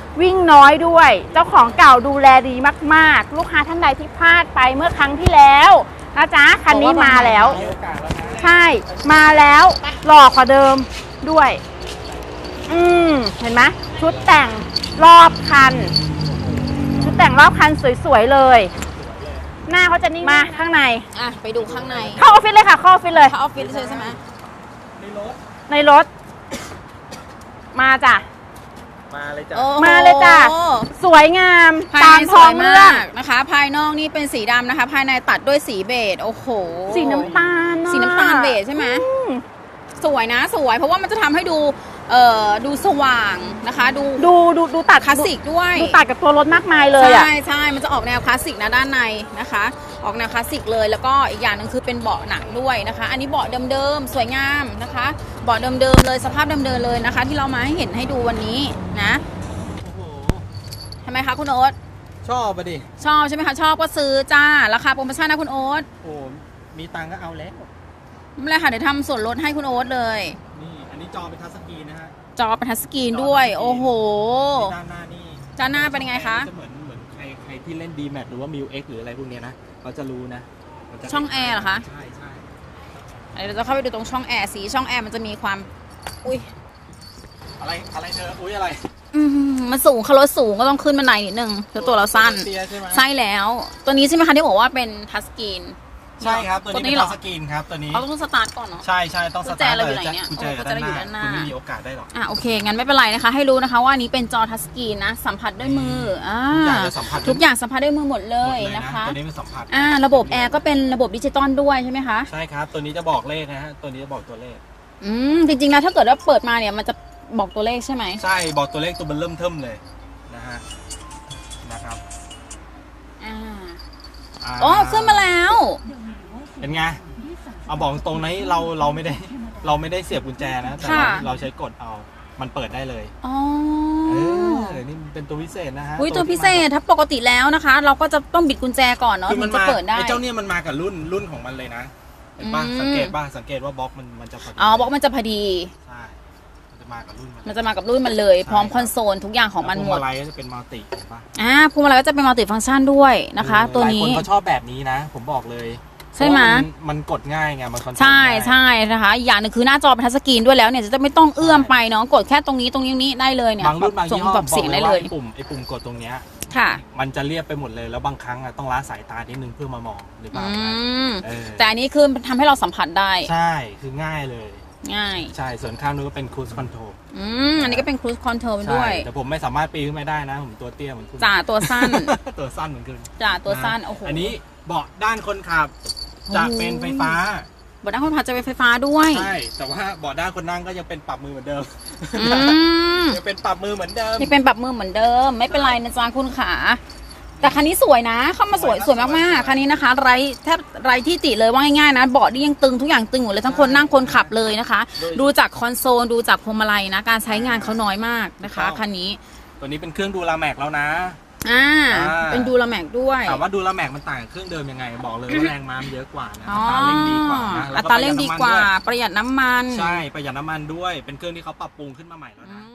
Speaker 2: วิ่งน้อยด้วย เจ้าของเก่าดูแลดีมากๆ ลูกค้าท่านใดที่พลาดไปเมื่อครั้งที่แล้วนะจ๊ะคันนี้มาแล้ว
Speaker 3: มีโอกาสแล้วนะ
Speaker 2: ใช่มาแล้วหล่อกว่าเดิมด้วย อืมเห็นไหมชุดแต่งรอบคัน ชุดแต่งรอบคันสวยๆเลย หน้าเขาจะนิ่งมาข้างใน
Speaker 4: อ่ะไปดูข้างใน
Speaker 2: เข้าออฟฟิศเลยค่ะเข้าออฟฟิศเลย
Speaker 4: เข้าออฟฟิศเลยใช่ไหม
Speaker 3: ในรถ
Speaker 2: ในรถ มาจ้ะ
Speaker 3: มาเลยจ้ะ
Speaker 4: โอ้โห
Speaker 2: มาเลยจ้ะ สวยงาม
Speaker 4: ภาย
Speaker 2: ตาม
Speaker 4: ในส
Speaker 2: ท้อ
Speaker 4: ว
Speaker 2: ง
Speaker 4: ย
Speaker 2: เรื่อ
Speaker 4: มาง กนะคะ ภายนอกนี่เป็นสีดำนะคะ ภายในตัดด้วยสีเบจโอ้โห
Speaker 2: สีน้ำตาลอะ
Speaker 4: สีน้ำตาลเบจใช่ไหม
Speaker 2: อืม
Speaker 4: สวยนะสวยเพราะว่ามันจะทำให้ดูเอ่อดูสว่างนะคะ ดู
Speaker 2: ดูดูดูตัด
Speaker 4: คลาสสิกด้วย
Speaker 2: ดูตัดกับตัวรถมากมายเลยอ่ะ
Speaker 4: ใช่ใช่มันจะออกแนวคลาสสิกนะด้านในนะคะ ออกแนวคลาสสิกเลยแล้วก็อีกอย่างหนึ่งคือเป็นเบาะหนังด้วยนะคะ อันนี้เบาะเดิมๆสวยงามนะคะเบาะเดิมๆเลยสภาพเดิมๆเลยนะคะ ที่เรามาให้เห็นให้ดูวันนี้นะ
Speaker 3: โอ้โห
Speaker 4: ทำไมคะคุณโอ๊ต
Speaker 3: ชอบปะดิ
Speaker 4: ชอบใช่ไหมคะชอบก็ซื้อจ้าราคาโปรโมชั่นนะคุณโอ๊ต
Speaker 3: โอ้มีตังค์ก็เอาแล้ว
Speaker 4: ไม่เป็นไรค่ะเดี๋ยวทำส่วนลดให้คุณโอ๊ตเลย
Speaker 3: นี่อันนี้จอเป็นทัชสกรีนนะฮะ
Speaker 4: จอเป็นทัชสกรีนด้วยโอ้โห
Speaker 3: ด้านหน้านี่
Speaker 4: ด้านหน้าเป็นยังไงคะ
Speaker 3: จะเหมือนเหมือนใครใครที่เล่น ดี แมท หรือว่า มิว เอ็กซ์ หรืออะไรพวกเนี้ยนะเขาจะรู้นะมันจะ
Speaker 4: ช่องแอร์เหรอคะ
Speaker 3: ใช่ใช่
Speaker 4: เดี๋ยวเราจะเข้าไปดูตรงช่องแอร์สีช่องแอร์มันจะมีความอุ้ย
Speaker 3: อะไรอะไรเธออุ้ยอะไร
Speaker 4: อืมมันสูงเขารถสูงก็ต้องขึ้นบันไดนิดนึงแล้วตัวเราสั้น
Speaker 3: เตี้ยใช่ไหม
Speaker 4: ใช่แล้ว ตัวนี้ใช่ไหมคะที่บอกว่าเป็นทัชสกรีน
Speaker 3: ใช่ครับตัวนี้เป็น
Speaker 4: เหร
Speaker 3: ทั
Speaker 4: อ
Speaker 3: ชสกรีนครับตัวนี้
Speaker 4: เขาต้องสตาร์ทก่อนเนาะ
Speaker 3: ใช่ใช่ต้อง
Speaker 4: กุ
Speaker 3: ส
Speaker 4: ญแจ
Speaker 3: ตาร์ท
Speaker 4: เราอยู่ไหนเนี่ย
Speaker 3: กุญแจอยู่
Speaker 4: กุญแจเราอยู่ด้านหน้า
Speaker 3: คุณไม่มีโอกาสได้หรอก
Speaker 4: อ่ะโอเคงั้นไม่เป็นไรนะคะ ให้รู้นะคะว่าอันนี้เป็นจอทัชสกรีนนะสัมผัสด้วยมืออ่า
Speaker 3: ทุกอย่างจะสัมผัส
Speaker 4: ทุกอย่างสัมผัสด้วยมือหมดเล
Speaker 3: หม
Speaker 4: ย
Speaker 3: ด
Speaker 4: นะคะ
Speaker 3: ตัวนี้เป็นสัมผัส
Speaker 4: อ่าระบบแอร์ก็เป็นระบบดิจิตอลด้วยใช่ไหมคะ
Speaker 3: ใช่ครับตัวนี้จะบอกเลขนะฮะตัวนี้จะบอกตัวเลข
Speaker 4: อืมจริงๆแล้วถ้าเกิดว่าเปิดมาเนี่ยมันจะบอกตัวเลขใช่ไหม
Speaker 3: ใช่บอกตัวเลขตัวมันเริ่มเทิมเลยนะฮะนะครับ
Speaker 4: อ่า
Speaker 3: า
Speaker 4: โอ้ขึ้นมาแล้ว
Speaker 3: เป็นไงเอาบอกตรงนี้เราเราไม่ได้เราไม่ได้เสียบกุญแจนะแต่เรา
Speaker 4: ค่ะ
Speaker 3: เราใช้กดเอามันเปิดได้เลย
Speaker 4: อ๋อ
Speaker 3: เออนี่เป็นตัวพิเศษนะฮะ
Speaker 4: อุ้ยตัวพิเศษถ้าปกติแล้วนะคะ เราก็จะต้องบิดกุญแจก่อนเนาะ
Speaker 3: คือ
Speaker 4: ถึ
Speaker 3: มัน
Speaker 4: งจะ
Speaker 3: มา
Speaker 4: เปิดได้
Speaker 3: ไอ้เจ้าเนี่ยมันมากับรุ่นรุ่นของมันเลยนะเห็นป่ะ
Speaker 4: อืม
Speaker 3: สังเกตป่ะสังเกตว่าบล็อกมันมันจะพอดี
Speaker 4: อ๋อบอกมันจะพอดี
Speaker 3: ใช่มันจะมากับรุ่นมัน
Speaker 4: มันจะมากับรุ่นมันเลย พร้อมคอนโซลทุกอย่างของมันหมด
Speaker 3: แล้วพวงมาลัยก็จะเป็นมัลติเห็นป่ะ
Speaker 4: อ่าพวงมาลัยก็จะเป็นมัลติฟังก์ชันด้วยนะคะ
Speaker 3: เออ
Speaker 4: ตัว
Speaker 3: หลาย
Speaker 4: นี้
Speaker 3: คนเขาชอบแบบนี้นะ ผมบอกเลย
Speaker 4: ใช่ไหม
Speaker 3: เพราะว่ามันมันกดง่ายไงมันคอนโทรล
Speaker 4: ใช่
Speaker 3: ง่าย
Speaker 4: ใช่นะคะอีกอย่างหนึงคือหน้าจอเป็นทัชสกรีนด้วยแล้วเนี่ยจะไม่ต้องเอื้อมไปเนาะกดแค่ตรงนี้ตรงนี้ตรงนี้ได้เลยเนี่ย
Speaker 3: บางรุ่นบาง
Speaker 4: ส่
Speaker 3: ยี่
Speaker 4: ง
Speaker 3: ห้อ
Speaker 4: แบบ
Speaker 3: บอ
Speaker 4: เสี
Speaker 3: ก
Speaker 4: ยง
Speaker 3: เล
Speaker 4: ได้
Speaker 3: ย
Speaker 4: เล
Speaker 3: ว่าย ไอ้ปุ่มไอ้ปุ่มกดตรงเนี้ย
Speaker 4: ค่ะ
Speaker 3: มันจะเรียบไปหมดเลยแล้วบางครั้งอะต้องล้าสายตานิดนึงเพื่อมามองหรือเป
Speaker 4: อื
Speaker 3: ล่านะ
Speaker 4: ม
Speaker 3: เออ
Speaker 4: แต่อันนี้คือทำให้เราสัมผัสได้
Speaker 3: ใช่คือง่ายเลย
Speaker 4: ง่าย
Speaker 3: ใช่ส่วนข้างนู้นก็เป็นครู e คอนโทรล
Speaker 4: อืมอันนี้ก็เป็นครู e คอนโทรล
Speaker 3: ใช่
Speaker 4: ด้วย
Speaker 3: แต่ผมไม่สามารถปีนขึ้นไปได้นะ ผมตัวเตี้ยเหมือนคุณ
Speaker 4: จ่าตัวสั้น
Speaker 3: ตัวสั้นเหมือนคุณ
Speaker 4: จ่าตัวสั้นโอ้โห
Speaker 3: อันนี้เบาะด้านคนขับจะเป็นไฟฟ้า
Speaker 4: บนด้านคนขับจะเป็นไฟฟ้าด้วย
Speaker 3: ใช่แต่ว่าเบาะด้านคนนั่งก็ยังเป็นปรับมือเหมือนเดิม
Speaker 4: อืม
Speaker 3: ยังเป็นปรับมือเหมือนเดิม
Speaker 4: นี่เป็นแบบมือเหมือนเดิม ไม่เป็นไรนะจ๊ะคุณขาแต่คันนี้สวยนะ เข้ามาสวย
Speaker 3: ส
Speaker 4: ส
Speaker 3: ว
Speaker 4: วย ย
Speaker 3: ครับ
Speaker 4: มากๆคันนี้นะคะ ไร้แทบไร้ที่ติเลยว่าง่ายๆนะเบาะนี่ยังตึงทุกอย่างตึงหมดเลยทั้งคนนั่งคนขับเลยนะคะ ดูจากคอนโซลดูจากพวงมาลัยนะ การใช้งานเขาน้อยมากนะคะคันนี้
Speaker 3: ตัวนี้เป็นเครื่องดูลาแม็กแล้วนะ
Speaker 4: อ่า
Speaker 3: อ่า
Speaker 4: เป็นดูลาแม็กด้วย
Speaker 3: ถามว่าดูลาแม็กมันต่างกับเครื่องเดิมยังไง บอกเลยว่าแรงม้ามันเยอะกว่านะ
Speaker 4: อ๋อ
Speaker 3: อัตราเร่งดีกว่านะแล้
Speaker 4: อั
Speaker 3: วก็
Speaker 4: ตราเร่งดีกว่า
Speaker 3: ประหยัดน้ำน
Speaker 4: ประหยัดน้ำมัน
Speaker 3: ด้วยใช่ประหยัดน้ำมันด้วยเป็นเครื่องที่เขาปรับปรุงขึ้นมาใหม่แล้ว
Speaker 4: อื
Speaker 3: นะ
Speaker 4: ม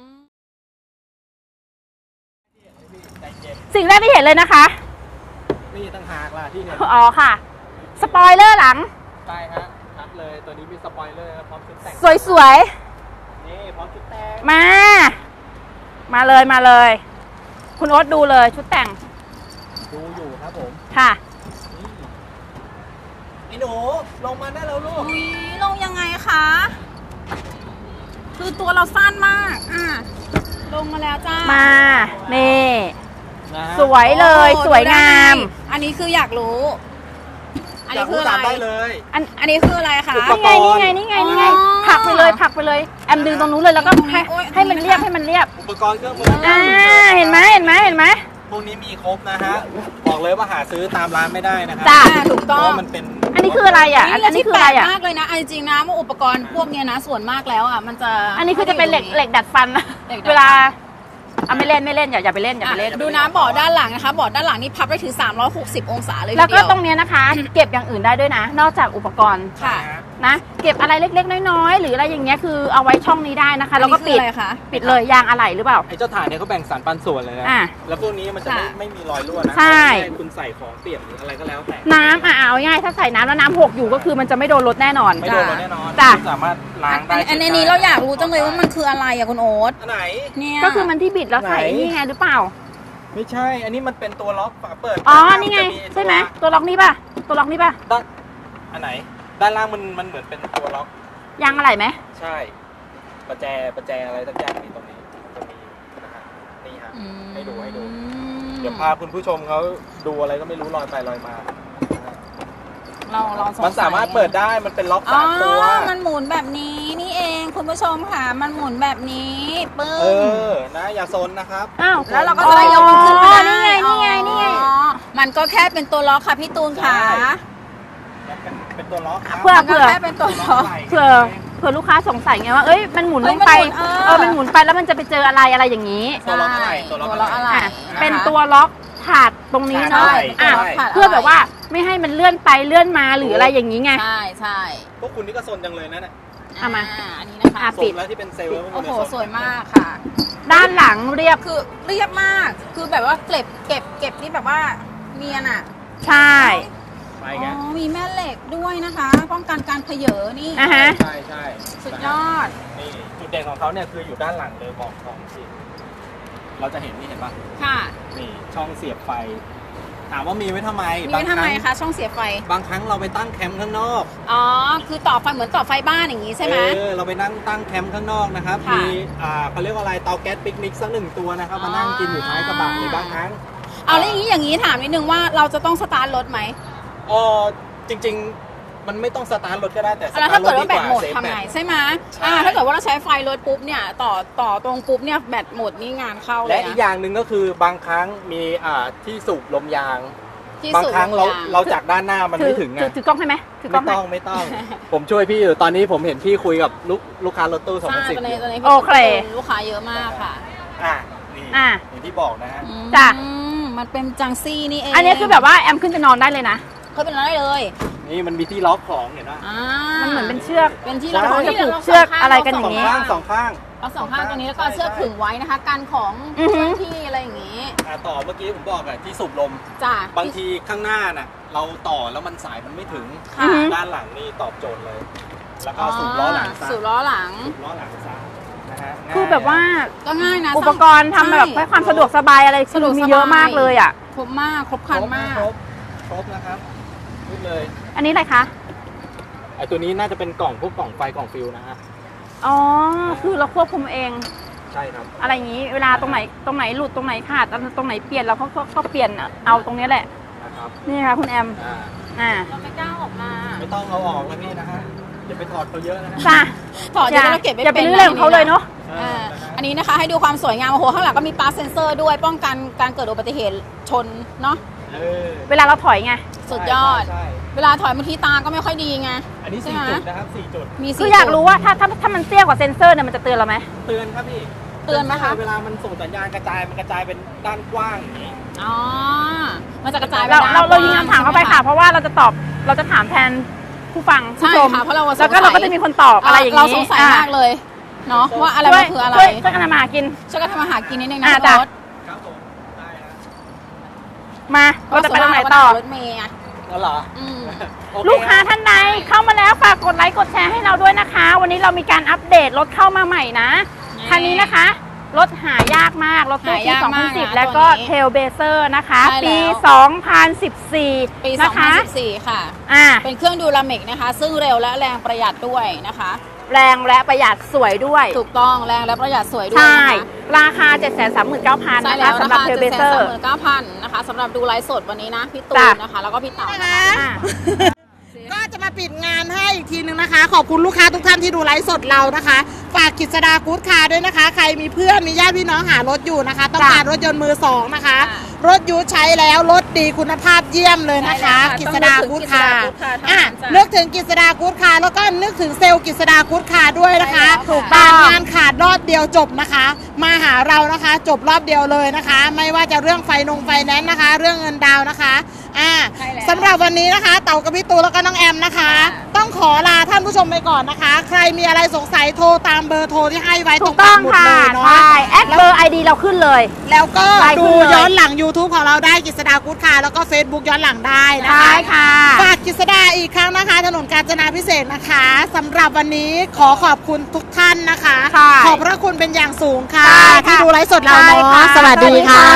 Speaker 3: ใจเย็น
Speaker 2: สิ่งแรกที่เห็นเลยนะคะ
Speaker 3: นี่ตั้งหากล่ะที่เห็น
Speaker 2: อ๋อค่ะ สปอยเลอร์หลัง
Speaker 3: ใช่ฮะชัดเลยตัวนี้มีสปอยเลอร์พร้อมชุดแต่ง
Speaker 2: สวย
Speaker 3: นี่พร้อมชุดแต่ง
Speaker 2: ๆ มา มาเลยมาเลย คุณโอ๊ตดูเลยชุดแต่ง
Speaker 3: ดูอยู่ครับผม
Speaker 2: ค่ะ
Speaker 3: นี่ไอ้หนูลงมาได้แล้วลูก
Speaker 4: อุ๊ยลงยังไงคะคือตัวเราสั้นมากอ่ะลงมาแล้วจ้า
Speaker 2: มา นี่
Speaker 3: นะฮะ
Speaker 2: สวยเลย
Speaker 4: โอ้
Speaker 2: สวยงาม
Speaker 4: ดูได้อันนี้คืออยากรู้ อัน
Speaker 3: อยา
Speaker 4: นี้
Speaker 3: ก
Speaker 4: คือ
Speaker 3: รู้
Speaker 4: อะไร
Speaker 3: ตามได้เลย
Speaker 4: อันอันนี้คืออะไรคะ
Speaker 3: อุปกรณ์
Speaker 2: นี่ไงนี่ไงนี่ไงนี่ไง
Speaker 4: อ๋อ
Speaker 2: ผลักไปเลยผลักไปเลยแอมดึงตรงนู้นเลยแล้วก็ให้
Speaker 4: โอ๊ย
Speaker 2: ให้มันเรียบให้มันเรียบ
Speaker 3: อุปกรณ์เครื่องมือ
Speaker 2: อ่าเห็นไหมเห็นไหมเห็นไหม
Speaker 3: พวกนี้มีครบนะฮะบอกเลยว่าหาซื้อตามร้านไม่ได้นะครั
Speaker 2: จ้ะ
Speaker 4: อ่าถูก
Speaker 3: เพ
Speaker 4: ต้อ
Speaker 3: ราะ
Speaker 4: ง
Speaker 3: ว่ามันเป็น
Speaker 2: อันนี้คืออะไรอ่ะ อันอันนี้คืออะไรอ่ะ
Speaker 4: แปลกมากเลยนะเอาจริงๆนะว่าอุปกรณ์พวกเนี้ยนะส่วนมากแล้วอ่ะมันจะ
Speaker 2: อันนี้คือจะเป็นเหล็กเหล็กดัดฟันนะ
Speaker 4: เหล็กดัดฟัน
Speaker 2: เวลาอ่ะไม่เล่นไม่เล่นอย่าอย่าไปเล่นอย่าไปเล่น
Speaker 4: อ่ะดูน้ำเบาะด้านหลังนะคะเบาะด้านหลังนี่พับได้ถึงสามร้อยหกสิบองศาเลยที
Speaker 2: แล้วก็
Speaker 4: เดียว
Speaker 2: ตรงเนี้ยนะคะ เก็บอย่างอื่นได้ด้วยนะ นอกจากอุปกรณ์
Speaker 4: ค่ะ
Speaker 3: นะฮะ
Speaker 2: นะเก็บอะไรเล็กๆน้อยๆหรืออะไรอย่างเงี้ยคือเอาไว้ช่องนี้ได้นะคะแล้วก็ปิด
Speaker 4: อะไรคะ
Speaker 2: ปิดเลยยางอะไหล่หรือเปล่า
Speaker 3: ไอ้เจ้าถ่านเนี่ยเขาแบ่งสรรปันส่วนเลยนะ
Speaker 2: อ่ะ
Speaker 3: แล้วพวกนี้มันจะไม่ไม่มีรอยรั่วนะ
Speaker 2: ใช่
Speaker 3: ให้คุณใส่ของเปียกหรืออะไรก็แล้วแต่
Speaker 2: น้ำอ่ะเอาง่ายถ้าใส่น้ำแล้วน้ำหกอยู่ก็คือมันจะไม่โดนรถแน่นอน
Speaker 3: ไม่โดนแน่นอน
Speaker 2: จ้ะ
Speaker 3: คุณสามารถล้างได้
Speaker 4: อันนี้เราอยากรู้จังเลยว่ามันคืออะไรอะคุณโอ๊ต
Speaker 3: อันไหน
Speaker 4: เนี่ย
Speaker 2: ก็คือมันที่บิดแล้วใส่
Speaker 3: ไหน
Speaker 2: นี่ไงหรือเปล่า
Speaker 3: ไม่ใช่ อันนี้มันเป็นตัวล็อกฝาเปิด
Speaker 2: อ๋อ
Speaker 3: ด้าล่า
Speaker 2: นี่ไง
Speaker 3: จะตัว
Speaker 2: ใช่ไหมตัวล็อกนี่ป่ะตัวล็อกนี่ป่ะ
Speaker 3: ด้านอันไหน ด้านล่างมันมันเหมือนเป็นตัวล็อก
Speaker 2: ยางอะไหล่ไหม
Speaker 3: ใช่ ประแจประแจอะไรสักอย่างมีตรงนี้จะมีนะฮะนี่ฮะ
Speaker 4: อืม
Speaker 3: ให้ดูให้ดู เดี๋ยวพาคุณผู้ชมเขาดูอะไรก็ไม่รู้ลอยไปลอยมา
Speaker 4: เราเราสงสัย
Speaker 3: มันสามารถเปิดได้มันเป็นล็อก
Speaker 4: อ๋อ
Speaker 3: สามตัว
Speaker 4: มันหมุนแบบนี้นี่เองคุณผู้ชมค่ะ มันหมุนแบบนี้ปึ้
Speaker 3: เอง อ นะ อย่าซนนะครับ
Speaker 2: อ้าว
Speaker 4: แล้วเราก็จะได้ยกมันขึ้นมาได้
Speaker 2: นี่ไงนี่ไงนี่ไง
Speaker 4: อ๋อมันก็แค่เป็นตัวล็อกค่ะพี่ตูนค่ะ
Speaker 3: ใช่ เป็นเป็นตัวล็อกครับ
Speaker 2: เพื่อ
Speaker 4: มันก็แค่เป็นตัวล็อก
Speaker 2: เผื่อเผื่อลูกค้าสงสัยไงว่าเอ้ยมันหมุน
Speaker 4: เอ้
Speaker 2: ล
Speaker 4: ย
Speaker 2: งไป
Speaker 4: มันหมุนเออ
Speaker 2: เออมันหมุนไปแล้วมันจะไปเจออะไรอะไรอย่างนี้
Speaker 3: ตัวล็อกอะไร
Speaker 4: ตัว
Speaker 3: ตัว
Speaker 4: ล็
Speaker 3: ล็
Speaker 4: อ
Speaker 3: อก ก
Speaker 4: อะ
Speaker 3: อะไร ไร
Speaker 2: อ่ะเป็นตัวล็อกถาดตรงนี้เนาะ
Speaker 3: ใช่
Speaker 2: อ่ะ
Speaker 3: ใช่
Speaker 2: เพื่อแบบว่าไม่ให้มันเลื่อนไปเลื่อนมาหรืออะไรอย่างนี้ไง
Speaker 4: ใช่ใช่
Speaker 3: พวกคุณนี่ก็ซนจังเลยนะเนี่ย
Speaker 2: เอามา
Speaker 4: อันนี้นะคะ
Speaker 2: อ่ะ
Speaker 3: ซ
Speaker 2: ปิด
Speaker 3: นแล้วที่เป็นเซลล์
Speaker 4: โอ้โหสวยมากค่ะ
Speaker 2: ด้านหลังเรียบ
Speaker 4: คือเรียบมาก คือแบบว่าเก็บเก็บเก็บนี่แบบว่าเนียนอ่ะ
Speaker 2: ใช่
Speaker 3: ไป
Speaker 4: อ๋
Speaker 3: ไง
Speaker 4: อมีแม่เหล็กด้วยนะคะ ป้องกันการเผยนี่
Speaker 2: อ่ะฮะ
Speaker 3: ใช่ใช่
Speaker 4: สุดยอด
Speaker 3: นี่จุดเด่นของเขาเนี่ยคืออยู่ด้านหลังเลยบอกของสิเราจะเห็นนี่เห็นปะ
Speaker 4: ค่ะ
Speaker 3: นี่ช่องเสียบไฟ ถามว่ามีไว้ทำไม
Speaker 4: มีไว้ทำไมคะช่องเสียบไฟ
Speaker 3: บางครั้งเราไปตั้งแคมป์ข้างนอก
Speaker 4: อ๋อ คือต่อไฟเหมือนต่อไฟบ้านอย่างนี้ใช่ไหม
Speaker 3: เออเราไปนั่งตั้งแคมป์ข้างนอกนะครับ
Speaker 4: ค่ะ
Speaker 3: มีอ่าเขาเรียกว่าอะไรเตาแก๊สปิกนิกสักหนึ่งตัวนะครับ
Speaker 4: อ๋อ
Speaker 3: มานั่งกินอยู่ท้ายกระบะในบางครั้ง
Speaker 4: เอาแล้วอย่างนี้อย่างนี้ถามนิดนึงว่าเราจะต้องสตาร์ทรถไหม
Speaker 3: เออจริง ๆ มันไม่ต้องสตาร์ทรถก็ได้แต่ส
Speaker 4: แล้ว
Speaker 3: ตา
Speaker 4: ถ้า
Speaker 3: ร์ทร
Speaker 4: เกิ
Speaker 3: ถ
Speaker 4: ด
Speaker 3: ดี
Speaker 4: ว่าก แบต
Speaker 3: ว่า
Speaker 4: หมด
Speaker 3: เซฟ
Speaker 4: ทำ
Speaker 3: แบ
Speaker 4: ไง
Speaker 3: ต
Speaker 4: ใช่ไหม
Speaker 3: ใช่
Speaker 4: อ่าถ้าเกิดว่าเราใช้ไฟรถปุ๊บเนี่ยต่อต่อตรงปุ๊บเนี่ยแบตหมดนี่งานเข้าเล
Speaker 3: และ
Speaker 4: ย
Speaker 3: อีก
Speaker 4: นะ
Speaker 3: อย่างหนึ่งก็คือบางครั้งมีอ่าที่สูบลมยาง
Speaker 4: ที่
Speaker 3: บาง
Speaker 4: สุด
Speaker 3: ครั้งเรา
Speaker 4: ลมยาง
Speaker 3: เราจากด้านหน้ามัน
Speaker 2: ถื
Speaker 3: ไม่ถึงไง
Speaker 2: ถือถือกล้องให้ไหมถือกล้
Speaker 3: ไม่
Speaker 2: องไหม
Speaker 3: ต้องไม่ต้อง ผมช่วยพี่อยู่ตอนนี้ผมเห็นพี่คุยกับลูกลูกค้ารถตู้สอง
Speaker 4: ใช่
Speaker 3: พันสิบ
Speaker 4: ตอนนี้ตอนนี้
Speaker 2: โอเค
Speaker 4: ลูกค้าเยอะมากค่ะ
Speaker 3: อ่ะนี่
Speaker 2: อ่ะ
Speaker 3: อย่างที่บอกนะฮะ
Speaker 4: อืม
Speaker 2: จ้ะ
Speaker 4: มันเป็นจังซี่นี่เอง
Speaker 2: อันนี้คือแบบว่าแอมขึ้นไปนอนได้เลยนะ
Speaker 4: เขาเป็นอะไรเลย
Speaker 3: นี่มันมีที่ล็อกของเห็นไหม
Speaker 4: อ่า
Speaker 2: มันเหมือนเป็นเชือก
Speaker 4: เป็นที่
Speaker 3: ใช่
Speaker 4: เรา
Speaker 2: จะผูกเชือกอะไรกันอย่าง
Speaker 3: ส
Speaker 2: นี้
Speaker 3: องข้างสองข้าง
Speaker 4: เอาสองข้างตรงนี้แล้วก็เอาเชือกขึงไว้นะคะกันของ
Speaker 2: อือฮึ
Speaker 4: เจ้าหน้าที่อะไรอย่างนี้
Speaker 3: อ่ะต่อเมื่อกี้ผมบอกอะที่สูบลม
Speaker 4: จ้ะ
Speaker 3: บางทีข้างหน้าน่ะเราต่อแล้วมันสายมันไม่ถึง
Speaker 4: ค่ะ
Speaker 2: อือฮึ
Speaker 3: ด้านหลังนี่ตอบโจทย์เลย แล้วก็สูบล้อหลังซะ
Speaker 4: สูบล้อหลัง
Speaker 3: สูบล้อหลังซะนะฮะง่ย
Speaker 2: คือแบบว่า
Speaker 4: ก็ง่ายนะ
Speaker 2: อุปกรณ์ทำแบบให้ความสะดวกสบายอะไรคือมีเยอะมากเลยอ่ะ
Speaker 4: ครบมากครบครันมาก
Speaker 3: ครบครบนะครับพูดเลย
Speaker 2: อันนี้อะไรคะ
Speaker 3: ไอตัวนี้น่าจะเป็นกล่องพวกกล่องไฟกล่องฟิวนะฮะ
Speaker 2: อ๋อ คือเราควบคุมเอง
Speaker 3: ใช่ครับ
Speaker 2: อะไรอย่างนี้ เวลาตรงไหนตรงไหนหลุดตรงไหนขาดตรงไหนเปลี่ยนเราก็ก็เปลี่ยนเอาตรงนี้แหละ
Speaker 3: นะครับ
Speaker 2: นี่ค่ะคุณแอม
Speaker 3: อ่า
Speaker 2: อ่า
Speaker 4: เราไม่กล้าออกมา
Speaker 3: ไม่ต้องเอาออกนะพี่นะฮะอย่าไปถอดเขาเยอะนะฮะ
Speaker 2: จ้ะ
Speaker 4: ถอดเดี๋ยวเราเก็บไว้
Speaker 2: อย่าไป
Speaker 4: เป็น
Speaker 2: ลื้อเรื่องของเขาเลยเนาะ
Speaker 3: เอ
Speaker 4: อ่า
Speaker 3: อนะฮะ
Speaker 4: อันนี้นะคะให้ดูความสวยงามโอ้โหข้างหลังก็มีปาร์คเซนเซอร์ด้วยป้องกันการเกิดอุบัติเหตุชนเนาะ
Speaker 3: เออ
Speaker 2: เวลาเราถอยไง
Speaker 4: สุดยอด
Speaker 3: ใช่ใช่
Speaker 4: เวลาถอยบางทีตาก็ไม่ค่อยดีไง
Speaker 3: อันนี้
Speaker 4: ใช่
Speaker 3: สี่
Speaker 4: ไหม
Speaker 3: จุดนะครับสี่จุด
Speaker 4: มี
Speaker 2: คือ
Speaker 4: สี่
Speaker 2: อยาก
Speaker 4: จุด
Speaker 2: รู้ว่าถ้าถ้าถ้ามันเตี้ยกว่าเซนเซอร์เนี่ยมันจะเตือนเราไหม
Speaker 3: เตือนครับพี่
Speaker 4: เตือนไหมคะ
Speaker 3: เวลามันส่งสัญญาณกระจายมันกระจายเป็นด้านกว้างอย่างนี้
Speaker 4: อ๋อมันจะกระจายไป
Speaker 2: เรา
Speaker 4: ด้น
Speaker 2: เราเรายิง
Speaker 4: กว้
Speaker 2: คำถามเข้าไป
Speaker 4: ใช่ห
Speaker 2: ค่ะ เพราะว่าเราจะตอบเราจะถามแทนผู้ฟัง
Speaker 4: ใช่
Speaker 2: ผู้ชม
Speaker 4: ค่ะเพราะเราสงสัย
Speaker 2: แล้วก็เราก็จะมีคนตอบอะไรอย่างนี้
Speaker 4: เราสงสัยมากเลยเนาะว่าอะไรมันคืออะไร
Speaker 2: ช่วยช่วยกันทำมาหากิน
Speaker 4: ช่วยกันทำมาหากินนิดนึงนะ
Speaker 2: อ่า
Speaker 4: พี่
Speaker 2: จ้ะ
Speaker 4: รถ
Speaker 3: ครับผมได้นะ
Speaker 2: มาเราจะไปตรงไหนต่อ
Speaker 4: รถเมย์อ่ะ
Speaker 3: แล้วเหรอ
Speaker 4: อืม
Speaker 3: โอเ
Speaker 2: ลูกค้าท่านใดเข้ามาแล้วฝากกดไลค์กดแชร์ให้เราด้วยนะคะ วันนี้เรามีการอัปเดตรถเข้ามาใหม่นะคันนี้นะคะ รถหายากมาก รถตู้ปี
Speaker 4: หายาก
Speaker 2: สองพั
Speaker 4: มาน ก
Speaker 2: สิบ
Speaker 4: นะ
Speaker 2: แล้วก็
Speaker 4: ตัวนี้
Speaker 2: เทลเบเซอร์นะคะ
Speaker 4: ใช่แล้ว
Speaker 2: ปี สองพันสิบสี่
Speaker 4: ปี
Speaker 2: นะคะ
Speaker 4: สองพันสิบสี่ค่ะ
Speaker 2: อ่า
Speaker 4: เป็นเครื่องดูรามิกนะคะ ซึ่งเร็วและแรงประหยัดด้วยนะคะ
Speaker 2: แรงและประหยัดสวยด้วย
Speaker 4: ถูกต้องแรงและประหยัดสวยด้วย
Speaker 2: ใช่
Speaker 4: นะคะ
Speaker 2: ราคา เจ็ดแสนสามหมื่นเก้าพัน
Speaker 4: ใช่
Speaker 2: นะ
Speaker 4: แล้
Speaker 2: คะ
Speaker 4: ว
Speaker 2: สำหรับ
Speaker 4: นะคะ
Speaker 2: เทลเบ
Speaker 4: เจ็ดแส
Speaker 2: เซ
Speaker 4: น
Speaker 2: อ
Speaker 4: สาม
Speaker 2: ร์
Speaker 4: หมื่นเก้าพันนะคะสำหรับดูไลฟ์สดวันนี้นะพี่ตูน
Speaker 2: จ้ะ
Speaker 4: นะคะ แล้วก็พี่เต๋า
Speaker 1: นะ
Speaker 4: นะคะ คะ
Speaker 1: ก็จะมาปิดงานให้อีกทีนึงนะคะ ขอบคุณลูกค้าทุกท่านที่ดูไลฟ์สดเรานะคะ ฝากกิจสดากู๊ดคาร์ด้วยนะคะ ใครมีเพื่อนมีญาติพี่น้องหารถอยู่นะคะ ต้องการรถยนต์มือสองนะคะ
Speaker 4: ค่ะ
Speaker 1: รถยูใช้แล้วรถดีคุณภาพเยี่ยมเลยนะคะ
Speaker 4: ใช่แล้วค่ะ
Speaker 1: กิจสดากู๊ดคาร์
Speaker 4: ต้องนึกถึงกิจสดากู๊ดคาร์เท่านั้น
Speaker 1: อ่ะ
Speaker 4: จ้ะ
Speaker 1: นึกถึงกิจสดากู๊ดคาร์แล้วก็นึกถึงเซลล์กิจสดากู๊ดคาร์ด้วยนะคะ
Speaker 4: ใช่แล้วค่ะ
Speaker 1: ถูกต้องงานขาดรอบเดียวจบนะคะ มาหาเรานะคะ จบรอบเดียวเลยนะคะ ไม่ว่าจะเรื่องไฟนงไฟแนนซ์นะคะ เรื่องเงินดาวน์นะคะอ่า
Speaker 4: ใช่แล้ว
Speaker 1: สำหรับวันนี้นะคะ เต่ากับพี่ตูแล้วก็น้องแอมนะคะ
Speaker 4: ค่ะ
Speaker 1: ต้องขอลาท่านผู้ชมไปก่อนนะคะ ใครมีอะไรสงสัยโทรตามเบอร์โทรที่ให้ไว้ต
Speaker 2: ถู
Speaker 1: รง
Speaker 2: กต้
Speaker 1: ปั
Speaker 2: อก ง
Speaker 1: หมุด
Speaker 2: ค่ะ
Speaker 1: เลยเนาะ
Speaker 2: ใช่แอดเบอร์ไอดีเราขึ้นเลย
Speaker 1: แล้วก็
Speaker 2: ไลน์ขึ้
Speaker 1: ดู
Speaker 2: นเลย
Speaker 1: ย้อนหลัง YouTube ของเราได้กฤษดากู๊ดค่ะ แล้วก็ Facebook ย้อนหลังได้นะ
Speaker 2: ใช่
Speaker 1: คะ
Speaker 2: ค่ะ
Speaker 1: ฝากกฤษดาอีกครั้งนะคะ ถนนกาญจนาพิเศษกนะคะสำหรับวันนี้ขอขอบคุณทุกท่านนะคะ
Speaker 2: ค่ะ
Speaker 1: ขอบพระคุณเป็นอย่างสูงค่ะ
Speaker 2: ใช่ค่ะ
Speaker 1: ที่ดูไลฟ์สดเรา
Speaker 2: ใช่
Speaker 1: เนาะ
Speaker 2: ค่ะ
Speaker 1: สวัสดีค่ะ